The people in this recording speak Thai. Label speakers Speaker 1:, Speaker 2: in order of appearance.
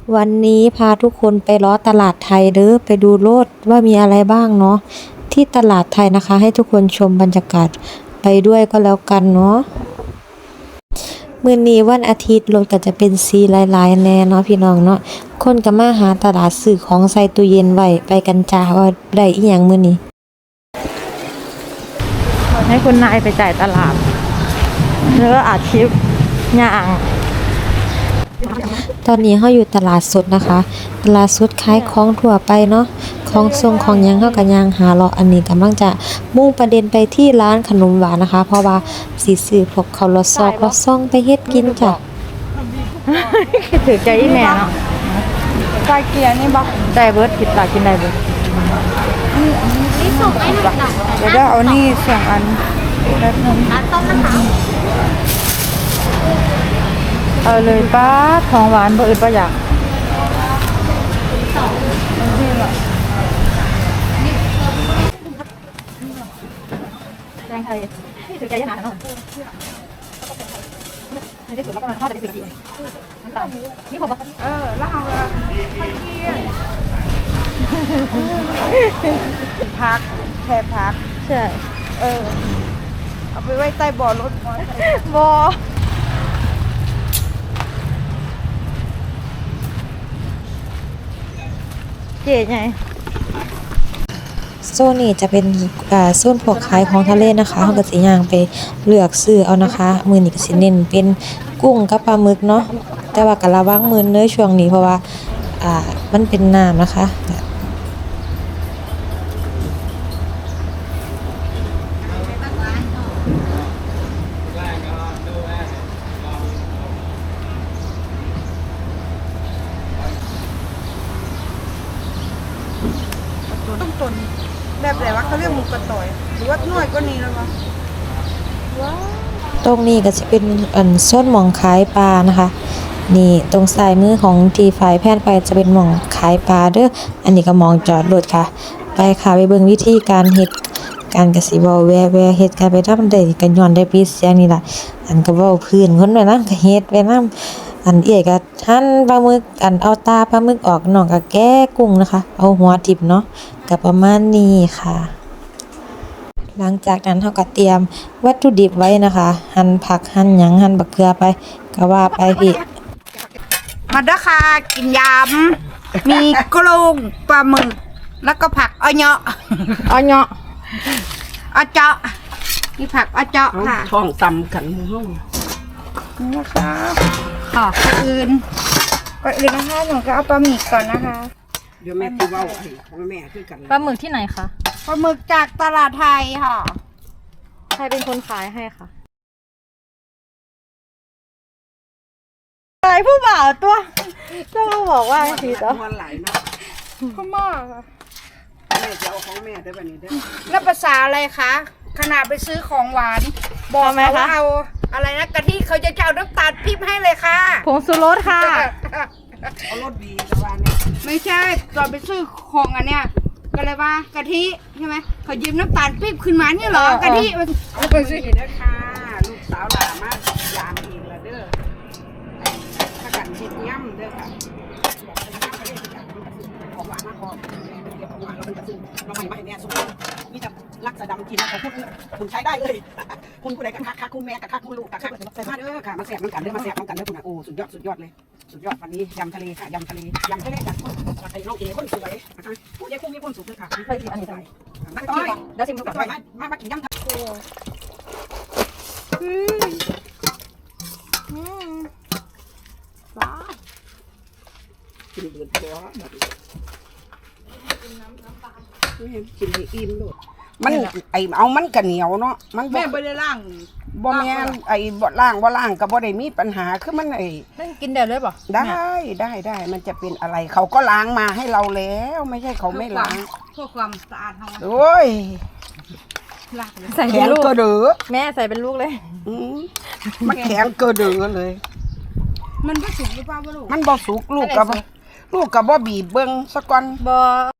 Speaker 1: วันนี้พาทุกคนไปล้อตลาดไทยเด้อไปดูโลดว่ามีอะไรบ้างเนาะที่ตลาดไทยนะคะ ให้ทุกคนชมบรรยากาศไปด้วยก็แล้วกันเนาะมื้อนี้วันอาทิตย์รถก็จะเป็นสีหลายๆแน่เนาะพี่น้องเนาะคนก็มาหาตลาดซื้อของใส่ตู้เย็นไว้ไปกันจ้าว่าได้อีหยังมื้อนี้
Speaker 2: ให้คุณนายไปจ่ายตลาดแล้วก็อาชีพย่าง
Speaker 1: ตอนนี้เฮาอยู่ตลาดสดนะคะตลาดสดขายของทั่วไปเนาะของทรงของหยังเฮาก็ย่างหาเลาะอันนี้กำลังจะมุ่งประเด็นไปที่ร้านขนมหวานนะคะเพราะว่าสิซื้อพวกข้าวรอซอกรอซ่องไปเฮ็ดกินจ้ะ
Speaker 2: คิดถึงใจอีแม่เนาะไก่เกียร์นี่บ่ได้เบิดคิดตากินได้เบิด
Speaker 3: นี่ส่งให้หนักๆ
Speaker 2: เดี๋ยวเอานี่2 อันแป๊บนึง
Speaker 3: ต้มนะคะ
Speaker 2: เอาเลยป้าของหวานบ่อื่นบ่อยากแกงไทยถือใจยากหนาเนาะไม่ได้สุดแล้วก็มันทอดได้4 นาทีน้ำตาลนี่ผมแล้วเอาพักแค่พักใช่เอาไปไว้ใต้บ่อรถบ่อเก๋ไง
Speaker 1: โซนนี้จะเป็นโซนพวกขายของทะเลนะคะเฮาก็สิย่างไปเลือกซื้อเอานะคะมื้อนี้ก็สิเน้นเป็นกุ้งกับปลาหมึกเนาะแต่ว่าก็ระวังมื้อเด้อช่วงนี้เพราะว่ามันเป็นน้ำนะคะ
Speaker 2: ต้นแบบไหนวะเขาเรียกหมูกระต่อยหรือว่าน้อยก็นี้แล้ววะ
Speaker 1: ตรงนี้ก็จะเป็นโซนหม่องขายปลานะคะนี่ตรงซ้ายมือของที่ฝ่ายแพทย์ไปจะเป็นหม่องขายปลาเด้ออันนี้ก็มองจอดรถค่ะไปค่ะไปเบิ่งวิธีการเฮ็ดการกสิเว้าแวเฮ็ดการไปทำได้ก็ย้อนได้ปีเสียงนี่ล่ะอันก็เว้าพื้นคนไว้นำก็เฮ็ดไว้นำอันเอื้อยก็หั่นปลาหมึกอันเอาตาปลาหมึกออกน้องก็แกะกุ้งนะคะเอาหัวทิ่มเนาะก็ประมาณนี้ค่ะหลังจากนั้นเราก็เตรียมวัตถุดิบไว้นะคะหั่นผักหั่นหยังหั่นบักเขือไปก็ว่าไปพี่
Speaker 4: มาด้ค่ะกินยำมีกุ้งปลาหมึกแล้วก็ผักอ้อยเนาะอ้อเจาะมีผักอ้อเจาะค่ะ
Speaker 5: ท้องตำกันห้อง
Speaker 4: นี่นะคะค่ะก่อนอื่นนะคะหนูก็เอาปลาหมึกก่อนนะคะ
Speaker 5: เดี๋ยวแม่คือว่าของแม่คือกัน
Speaker 2: ปลาหมึกที่ไหนคะ
Speaker 4: ปลาหมึกจากตลาดไทยค่ะ
Speaker 2: ใครเป็นคนขายให้คะขายผู้บ่าวตัวต้องบอกว่าทีต่อ
Speaker 5: มันไหลเนาะ
Speaker 4: พ่อม่อค่ะ
Speaker 5: แม่จะเอาของแม่ได้ป่ะนี่ได้
Speaker 4: แล้วภาษาอะไรคะขนาดไปซื้อของหวานบอกไหมคะเอาอะไรนะกะทิเขาจะเอาน้ำตาลปี๊บให้เลยค่ะ
Speaker 2: ผงชูรสค่ะ
Speaker 5: เอารสดีแต่ว่าเนี่ย
Speaker 4: ไม่ใช่ตอนไปซื้อของอันเนี้ยก็เลยว่ากะทิใช่ไหมเขายืมน้ำตาลปี๊บขึ้นมาเนี่ยเหรอกะทิ
Speaker 5: มันไปซื้อเด้อค่ะลูกสาวหลานมากยามเองละเด้อถ้ากันเช็ดย่ำเด้อค่ะของหวานมากพอเดี๋ยวของหวานเราเป็นกระซึ่งเราไม่แม่สุดนี่จะรักสะดำกินของคุณใช้ได้เลยคุณผู้ใดกันคักคุณแม่กันคักคุณลูกกันคักใส่มาเด้อค่ะมาแสบน้ำกันเด้อมาแสบน้ำกันเด้อคุณโอ้สุดยอดเลยสุดยอดวันนี้ยำทะเลค่ะยำทะเลจากไอ้น้องเอ๋คนสวยนะคะผู้ใหญ่คุ้มมีคนสุขเลยค่ะไม่เคยกินอันนี้เลยนักต้อยเดี๋ยวชิมดูก่อนมากินยำทะเลว้ากินเดือดร้อนกินให้อิ่มเลยมันเอามันกระเหนียวเนาะมัน
Speaker 4: แม่ไม่ได้ล่าง
Speaker 5: บ่แม่นบ่ล่างก็บ่ได้มีปัญหาคือมัน
Speaker 2: กินได้เลยป่ะ
Speaker 5: ได้มันจะเป็นอะไรเขาก็ล้างมาให้เราแล้วไม่ใช่เขาไม่ล้าง
Speaker 4: เพื่อความสะอาดของ
Speaker 5: โอ้ย
Speaker 2: ใส่เป็นลูก
Speaker 5: ก็เดือ
Speaker 2: แม่ใส่เป็นลูกเลย
Speaker 5: มันแข็งก็เดือเลย
Speaker 4: มันบ่สุกหรือเปล่าลูก
Speaker 5: มันบ่สุกลูกกับบ่บีบเบิ่งซะก่อน
Speaker 2: บ่